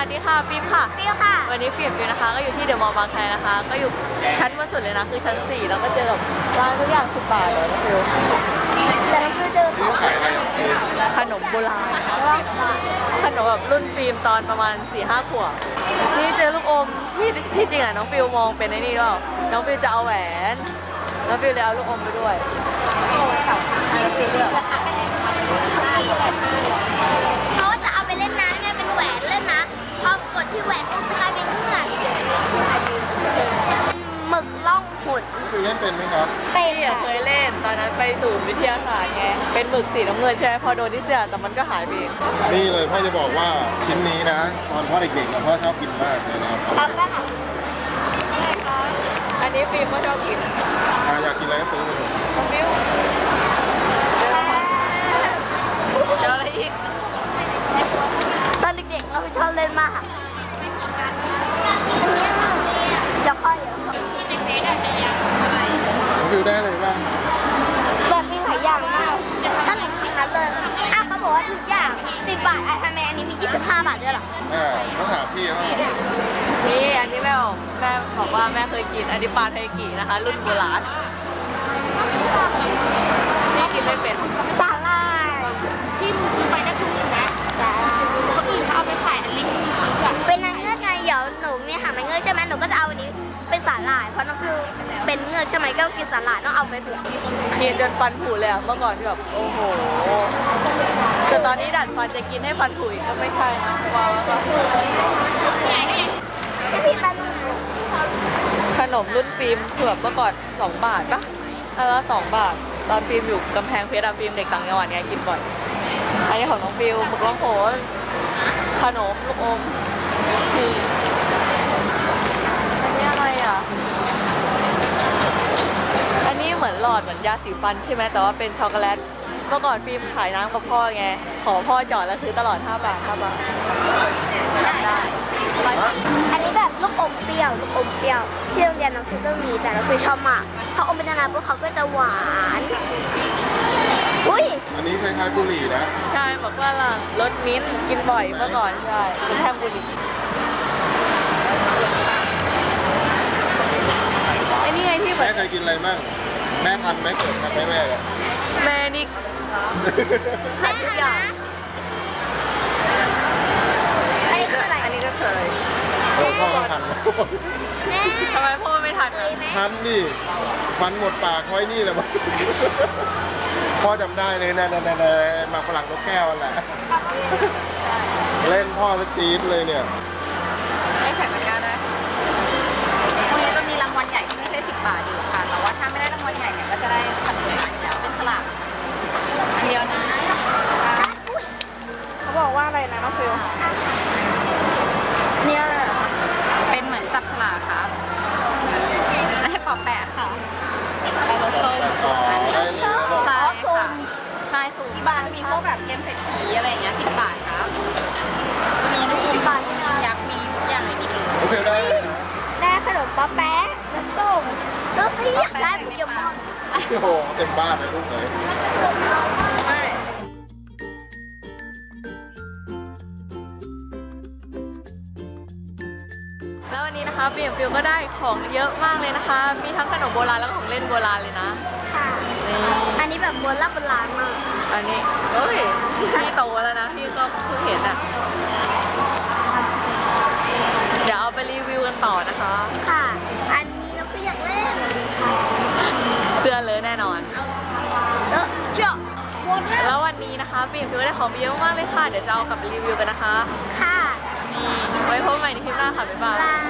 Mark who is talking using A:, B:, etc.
A: ดีค่ะฟิล์มค่ะ
B: ฟิวค่ะ
A: วันนี้ฟิล์มนะคะก็อยู่ที่เดอะมอลล์บางแคนะคะ ก็อยู่ชั้นบนสุดเลยนะคือชั้น 4 แล้วก็เจอกับร้านทุกอย่าง10 บาทเลยนะฟิล
B: แต่เราเคยเจอของ
A: ขนมโบราณขนมแบบรุ่นฟิล์มตอนประมาณ 4-5 ขวบนี่เจอลูกอมที่จริงอ่ะน้องฟิลมองเป็นไอ้นี่ก็น้องฟิลจะเอาแหวนน้องฟิลเลยเอาลูกอมไปด้วยแล้วฟิลเลือก
B: เพราะว่าจะเอาไปเล่นน้ำไงเป็นแหวนเล่นนะพอกดที่แหวนปุ๊บจะกลายเป็นเงื่อนหมึกล่องหน
C: คือเล่นเป็นไหมครับ
B: เป็น
A: พี่เคยเล่นตอนนั้นไปศูนย์วิทยาศาสตร์ไงเป็นหมึกสีน้ำเงินใช่ไหมพอโดนที่เสื้อแต่มันก็หายไปเอง
C: นี่เลยพ่อจะบอกว่าชิ้นนี้นะ ตอนพ่อเด็กๆพ่อชอบกินมากเลยนะครับ
B: ครับก็ค่ะ
A: อันนี้ฟิล์มก็ชอบกิน
C: อยากกินอะไรก็ซื้อไปเลย
A: น้องฟิลเจออะไรอีก
B: ตอนเด็กๆเราชอบเล่นมากเดี๋ยวค่อย
C: ฟิวได้เลยบ้าง
B: แบบมีหลายอย่างมากถ้าหนูกินนั้นเลยเขาบอกว่าทุกอย่าง10 บาททำไมอันนี้มี25 บาทด้วยหรอ
C: ต้องถามพี่เขา
A: นี่อันนี้แม่บอกว่าแม่เคยกินอันนี้ปลาไทกินะคะ รุ่นโบราณนี่กินไม่เป็น
B: สาลายที่มึงซื้อไปก็ถูกนะสาลายคนอื่นเขาเอาไปขายอันเล็กเป็นนางเงือกไงเดี๋ยวหนูมีหางนางเงือกใช่ไหมหนูก็จะเอาอันนี้เป็นสาลายเพราะน้องฟิวเป็นเงือกใช่ไหมก็กินสาลายต้องเอาไปเผื่อ
A: กินจนฟันผุเลยอะเมื่อก่อนที่แบบโอ้โหแต่ตอนนี้ดัดฟันจะกินให้ฟันผุอีกก็ไม่ใช่นะว้าวก็
B: พี่ปัน
A: ขนมรุ่นฟิล์มเผือกเมื่อก่อน2 บาทปะแล้ว2 บาทตอนฟิล์มอยู่กำแพงเพชรอะฟิล์มเด็กต่างจังหวัดไงกินบ่อยอันนี้ของน้องฟิลหมึกล่องโขนขนมลูกอมนี่อันนี้อะไรอ่ะอันนี้เหมือนหลอดเหมือนยาสีฟันใช่ไหมแต่ว่าเป็นช็อกโกแลตเมื่อก่อนฟิล์มขายน้ำกับพ่อไงขอพ่อจอดแล้วซื้อตลอด5 บาท5 บาทจำได้
B: อันนี้แบบลูกอมเปรี้ยวลูกอมเปรี้ยวที่โรงเรียนน้องฟิวก็มีแต่น้องฟิวชอบมากเพราะอมเป็นนานๆพวกเขาก็จะหวานอุ้ย
C: อันนี้คล้ายๆบุหรี่นะ
A: ใช่บอกว่าล่ะรสมิ้นท์กินบ่อยเมื่อก่อนใช่เป็นแทมบุรีไอ้นี่ไงที่เหมื
C: แม่
A: อน
C: เคยกินอะไรบ้างแม่ทันไหมเกิดทันไหมแม่เนี่ย
A: แม่นี่ขายทุกอย่าง
B: อันนี้คืออะไร
A: อันนี้ก็เคย
C: พ่อก็ทัน
B: แม่
A: ทำไมพ่อไม่ทันอ่ะ
C: ทันดิฟันหมดปากไว้นี่แหละมั้งพ่อจำได้เลยนะหมากฝรั่งนกแก้วนั่นแหละเล่นพ่อสจี๊ดเลยเนี่ย
A: ให้แข่งกันได้พรุ่งนี้จะมีรางวัลใหญ่ที่ไม่ใช่10 บาทอยู่ค่ะแต่ว่าถ้าไม่ได้รางวัลใหญ่เนี่ยก็จะได้ขนมเป็นฉลากอันเดียวนะ
D: เขาบอกว่าอะไรนะน้องฟิว
B: เนี่ย
A: เป็นเหมือนจับฉลากครับได้ปอแปะค่ะได้รสส้ม
C: ต่อได้เลยนะบอก
A: ใช่ค่ะใช่สูงที่บ้านจะมีพวกแบบเกมเศรษฐีอะไรอย่างเงี้ย10 บาทครับมีลูกอมบาทมียักษ์มีทุกอย่างในนี้เลย
C: โอเคได้เลยนะ
B: ได้ขนมป๊อปแป๊ะและส้มแล้วพี่อยากได้โปเกมอน
C: โอ้โหเต็มบ้านเลยลูกเลย
A: แล้ววันนี้นะคะฟิวก็ได้ของเยอะมากเลยนะคะ มีทั้งขนมโบราณแล้วก็ของเล่นโบราณเลยนะ
B: ค่ะ
A: นี่
B: อันนี้แบบโบราณมาก
A: อันนี้เฮ้ยพี่โตแล้วนะพี่ก็เพิ่งเห็นอ่ะเดี๋ยวเอาไปรีวิวกันต่อนะคะ
B: ค่ะ อันนี้เราก็อยากเล่น
A: เสื้อเลยแน่นอน
B: แล้วเจ้าหมดแล้ว
A: แล้ววันนี้นะคะฟิวได้ของไปเยอะมากเลยค่ะเดี๋ยวจะเอากลับไปรีวิวกันนะคะ
B: ค่ะ
A: นี่ไว้พบกันใหม่ในคลิปหน้าค่ะบ๊ายบาย
B: บาย